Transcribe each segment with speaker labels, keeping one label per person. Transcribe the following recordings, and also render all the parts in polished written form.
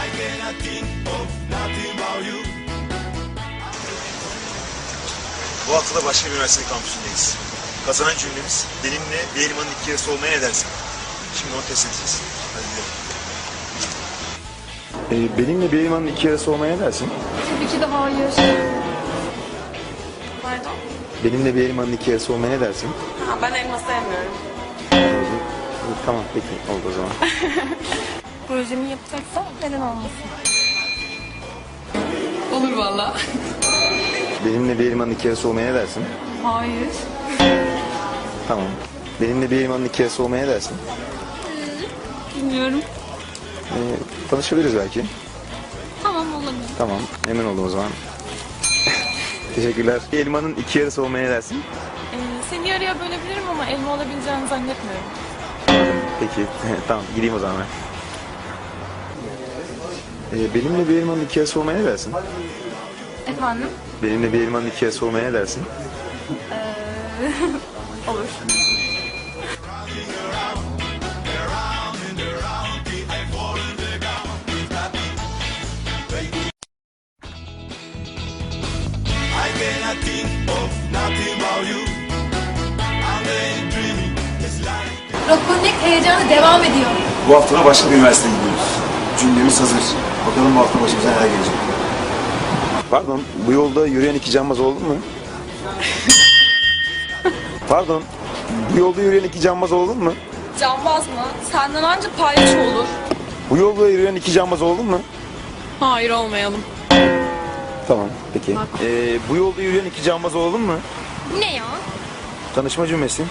Speaker 1: Bu hafta da başka bir üniversite kampüsündeyiz. Kazanan cümlemiz benimle bir elmanın iki yarısı olmaya ne dersin? Şimdi onu test edeceğiz. Hadi gidelim.
Speaker 2: Benimle bir elmanın iki yarısı olmaya ne dersin?
Speaker 3: Tabii ki de hayır. Pardon?
Speaker 2: Benimle bir elmanın iki yarısı olmaya ne dersin?
Speaker 3: Ha, ben elma sevmiyorum.
Speaker 2: Tamam peki oldu o zaman.
Speaker 3: Projemi yapacaksam neden olmasın? Olur valla.
Speaker 2: Benimle bir elmanın iki yarısı olmaya ne dersin?
Speaker 3: Hayır.
Speaker 2: Tamam. Benimle bir elmanın iki yarısı olmaya ne dersin?
Speaker 3: Bilmiyorum.
Speaker 2: Tanışabiliriz belki.
Speaker 3: Tamam, olabilir.
Speaker 2: Tamam emin oldum o zaman. Teşekkürler. Bir elmanın iki yarısı olmaya ne dersin?
Speaker 3: Seni yarıya bölebilirim ama elma olabileceğini zannetmiyorum.
Speaker 2: Peki tamam gideyim o zaman ben. Benimle bir elmanın iki yarısı olmaya ne dersin?
Speaker 3: Efendim?
Speaker 2: Benimle bir elmanın iki yarısı olmaya ne dersin?
Speaker 3: Olur.
Speaker 4: Rock Connect heyecanı devam ediyor.
Speaker 1: Bu hafta da başka bir üniversiteye gidiyoruz. Cümlemiz hazır. Bakalım bu hafta başımıza neler gelecek.
Speaker 2: Pardon bu yolda yürüyen iki cambaz oldu mu? Pardon bu yolda yürüyen iki cambaz oldu mu?
Speaker 3: Cambaz mı? Senden anca paylaş olur.
Speaker 2: Bu yolda yürüyen iki cambaz oldu mu?
Speaker 3: Hayır, olmayalım.
Speaker 2: Tamam peki. Bu yolda yürüyen iki cambaz olalım mı?
Speaker 3: Ne ya?
Speaker 2: Tanışma cümlesi.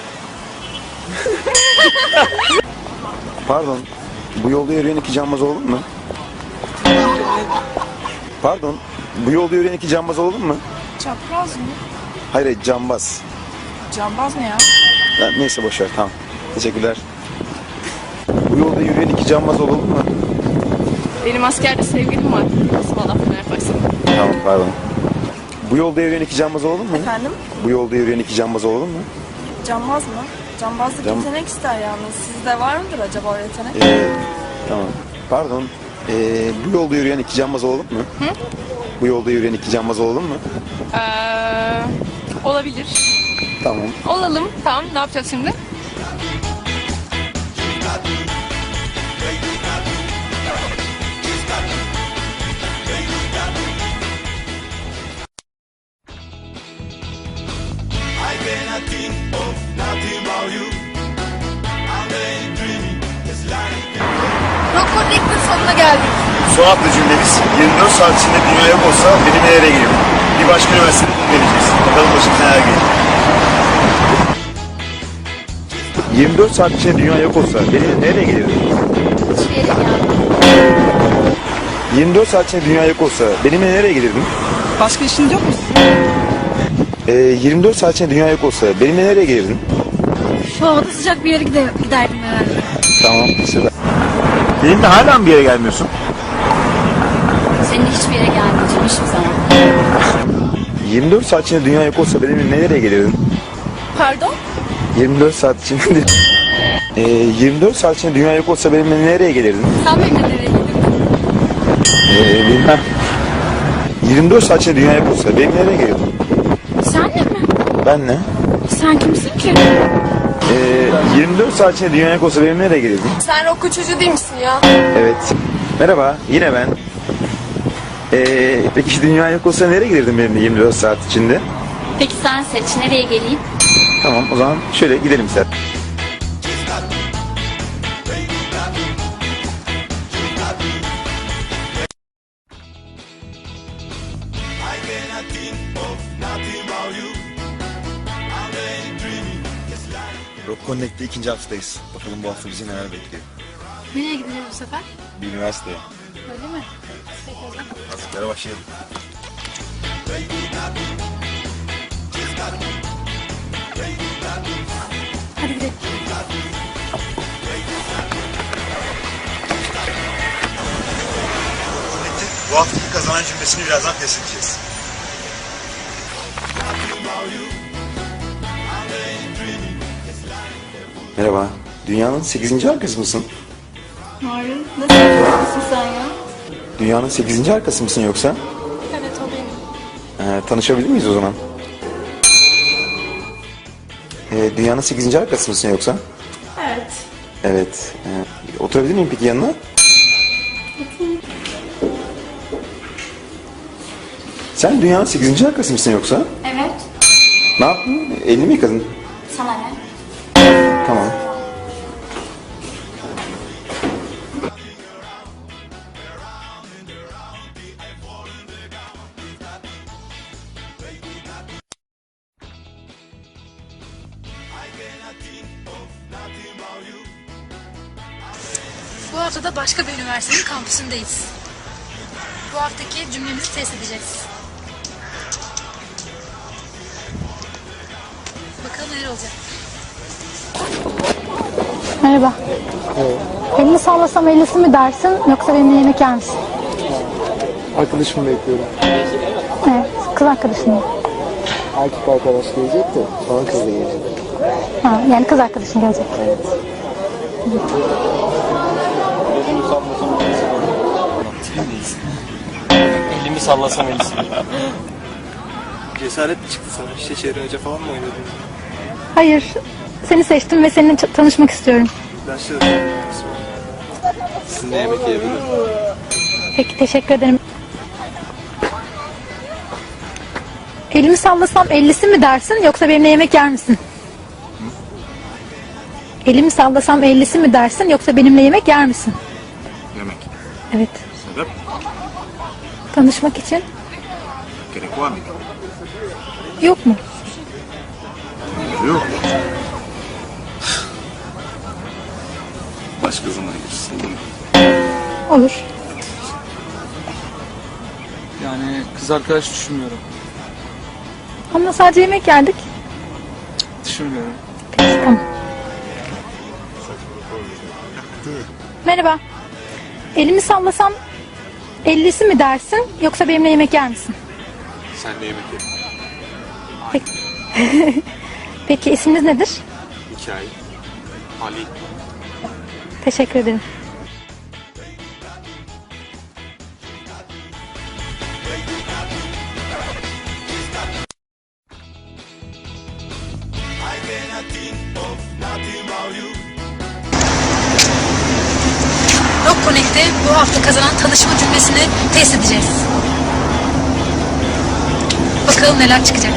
Speaker 2: Pardon. Bu yolda yürüyen iki cambaz olalım mı? Pardon. Bu yolda yürüyen iki cambaz olalım mı?
Speaker 3: Çapraz mı?
Speaker 2: Hayır cambaz.
Speaker 3: Cambaz ne ya?
Speaker 2: Ya, neyse boşver tamam. Teşekkürler. Bu yolda yürüyen iki cambaz olalım mı?
Speaker 3: Benim askerde sevgilim var. Nasıl bana laf yaparsın?
Speaker 2: Tamam pardon. Bu yolda yürüyen iki cambaz olalım mı?
Speaker 3: Efendim?
Speaker 2: Bu yolda yürüyen iki cambaz olalım mı?
Speaker 3: Cambaz mı? Cambazlık
Speaker 2: Cam-
Speaker 3: yetenek ister yalnız. Sizde var mıdır acaba o yetenek?
Speaker 2: Tamam. Pardon. Bu yolda yürüyen iki cambaz olalım mı?
Speaker 3: Hı?
Speaker 2: Bu yolda yürüyen iki cambaz olalım mı?
Speaker 3: Olabilir.
Speaker 2: Tamam.
Speaker 3: Olalım. Tamam, ne yapacağız şimdi?
Speaker 4: Rock Connect'in sonuna geldik.
Speaker 1: Son hafta cümlemiz 24 saat içinde dünya yok olsa benim nereye gelirim? Bir başka üniversitede vereceğiz. Bakalım başımıza neler gelecek.
Speaker 2: 24 saat içinde dünya yok olsa beni nereye gelirdim?
Speaker 4: Hiçbir yere gelmem.
Speaker 2: 24 saat içinde dünya yok olsa benimle nereye gelirdin?
Speaker 3: Başka işiniz yok mu?
Speaker 2: 24 saat içinde dünya yok olsa benimle nereye gelirdin?
Speaker 4: Şu havada sıcak bir yere giderdim herhalde.
Speaker 2: Tamam süper.
Speaker 1: Benimle hala mı bir yere gelmiyorsun?
Speaker 4: Seninle hiçbir yere gelmeyeceğim hiçbir zaman.
Speaker 2: 24 saat içinde dünya yok olsa benimle nereye gelirdin?
Speaker 3: Pardon?
Speaker 2: 24 saat içinde 24 saat içinde dünya yok olsa benimle nereye gelirdin?
Speaker 4: Sen benimle nereye gidiyorsun?
Speaker 2: Bilmem. 24 saat içinde dünya yok olsa benimle nereye gelirdin?
Speaker 4: Senle mi?
Speaker 2: Ben ne?
Speaker 4: Sen kimsin ki?
Speaker 2: 24 saat içinde dünya yok olsa benimle nereye gelirdin?
Speaker 3: Sen rock çocuğu değil misin ya?
Speaker 2: Evet. Merhaba, yine ben. Peki dünya yok olsa nereye gelirdin benimle 24 saat içinde?
Speaker 4: Peki sen seç. Nereye geleyim?
Speaker 2: Tamam, o zaman şöyle gidelim sen.
Speaker 1: Rock Connect'te ikinci haftadayız. Bakalım bu hafta bizi neler bekliyor.
Speaker 4: Nereye gideceğiz bu sefer?
Speaker 1: Bir üniversiteye.
Speaker 4: Öyle mi? Peki o zaman.
Speaker 1: Hazırlıklara başlayalım.
Speaker 4: Hadi gidelim.
Speaker 1: Bu haftaki kazanan cümlesini birazdan test edeceğiz.
Speaker 2: Merhaba, dünyanın 8. arkası mısın?
Speaker 4: Hayır. Nasıl yapıyorsun sen ya?
Speaker 2: Dünyanın 8. arkası mısın yoksa?
Speaker 3: Evet olayım.
Speaker 2: Tanışabilir miyiz o zaman? Dünyanın 8. arkası mısın yoksa?
Speaker 3: Evet.
Speaker 2: Evet. Oturabilir miyim peki yanına? Sen dünyanın 8. arkası mısın yoksa?
Speaker 4: Evet.
Speaker 2: Ne yaptın? Elini mi yıkadın?
Speaker 4: Sana ne?
Speaker 2: Tamam.
Speaker 5: Bu hafta da başka bir üniversitenin kampüsündeyiz. Bu haftaki cümlemizi test edeceğiz. Bakalım neler olacak.
Speaker 6: Merhaba. Elini sallasam ellisi mi dersin yoksa benimle yemek yer misin?
Speaker 7: Arkadaşımı bekliyorum.
Speaker 6: Evet, kız arkadaşın mı?
Speaker 7: Erkek arkadaş gelecek de sonra kız da gelecek.
Speaker 6: Ha, yani kız arkadaşın gelecek.
Speaker 8: Elimi sallasam elisi.
Speaker 7: Cesaret mi çıktı sana? İşte Şehri Hoca falan mı oynadın?
Speaker 6: Hayır, seni seçtim ve seninle tanışmak istiyorum.
Speaker 7: Başladım. Sizinle yemek yiyebilirim.
Speaker 6: Peki, teşekkür ederim. Elimi sallasam ellisi mi dersin yoksa benimle yemek yer misin? Elimi sallasam ellisi mi dersin yoksa benimle yemek yer misin?
Speaker 1: Yemek.
Speaker 6: Evet.
Speaker 1: Sebep?
Speaker 6: Tanışmak için.
Speaker 1: Gerek var mı?
Speaker 6: Yok mu?
Speaker 1: Yok. Başka zaman girsin.
Speaker 6: Olur.
Speaker 8: Yani kız arkadaş düşünmüyorum.
Speaker 6: Ama sadece yemek yerdik.
Speaker 8: Düşünmüyorum.
Speaker 6: Peki, tamam. Merhaba. Elimi sallasam ellisi mi dersin yoksa benimle yemek yer misin?
Speaker 1: Sen de yemek ye.
Speaker 6: Peki isminiz nedir?
Speaker 1: Hikaye. Ali.
Speaker 6: Teşekkür ederim.
Speaker 5: Rock Connect'te bu hafta kazanan tanışma cümlesini test edeceğiz. Bakalım neler çıkacak.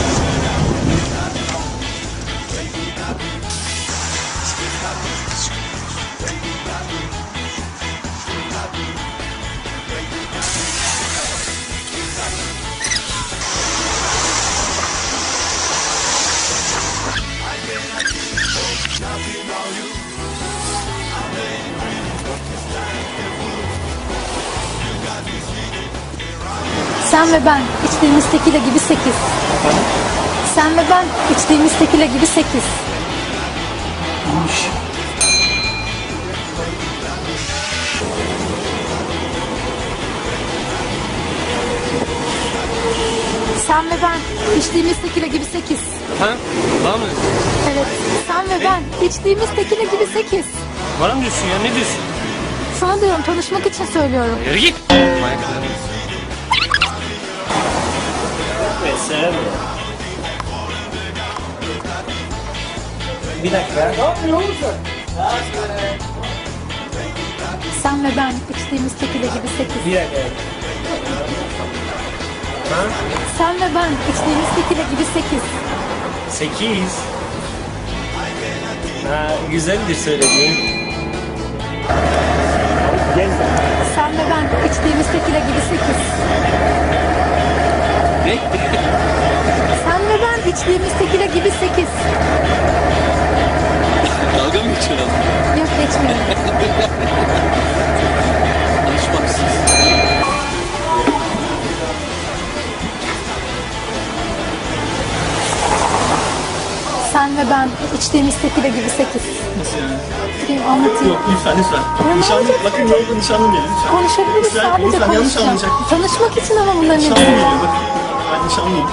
Speaker 6: Sen ve ben içtiğimiz tekile gibi 8. Sen ve ben içtiğimiz tekile gibi 8. Sen ve ben içtiğimiz tekile gibi 8.
Speaker 8: Ha? Bana mı?
Speaker 6: Evet. Sen ve ben içtiğimiz tekile gibi 8.
Speaker 8: Bana mı diyorsun ya? Ne diyorsun?
Speaker 6: Sana diyorum, tanışmak için söylüyorum.
Speaker 8: Yürü git. Bir dakika.
Speaker 6: Sen ve ben içtiğimiz tekile gibi 8.
Speaker 8: Bir dakika.
Speaker 6: Sen ve ben içtiğimiz tekile gibi 8.
Speaker 8: 8. Ha, güzeldir söylediğin.
Speaker 6: Sen ve ben içtiğimiz tekile gibi 8.
Speaker 8: Ne?
Speaker 6: Sen ve ben içtiğimiz tekile gibi 8.
Speaker 8: Dalga mı geçiyorsun?
Speaker 6: Yok, geçmiyorum.
Speaker 8: Alışmaksız.
Speaker 6: Sen ve ben içtiğimiz tekile gibi 8.
Speaker 8: Nasıl yani?
Speaker 6: Durayım, anlatayım.
Speaker 8: Yok lütfen lütfen.
Speaker 6: Ya,
Speaker 8: Nişanlı,
Speaker 6: ne olacak?
Speaker 8: bakın yolda nişanlım geliyor lütfen.
Speaker 6: Konuşabiliriz,
Speaker 8: Lütfen,
Speaker 6: sadece
Speaker 8: lütfen, yanlış
Speaker 6: konuşacağım.
Speaker 8: anlayacak.
Speaker 6: Tanışmak için ama bunların
Speaker 8: Nişanlım
Speaker 6: hepsi.
Speaker 8: geliyor bakın. Ben nişanlıyım.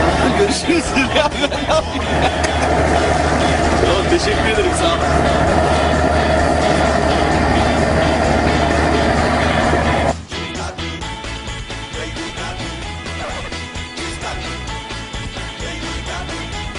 Speaker 8: Görüşürüz. Ya ben ne yapayım? Tamam teşekkür ederim sağ ol.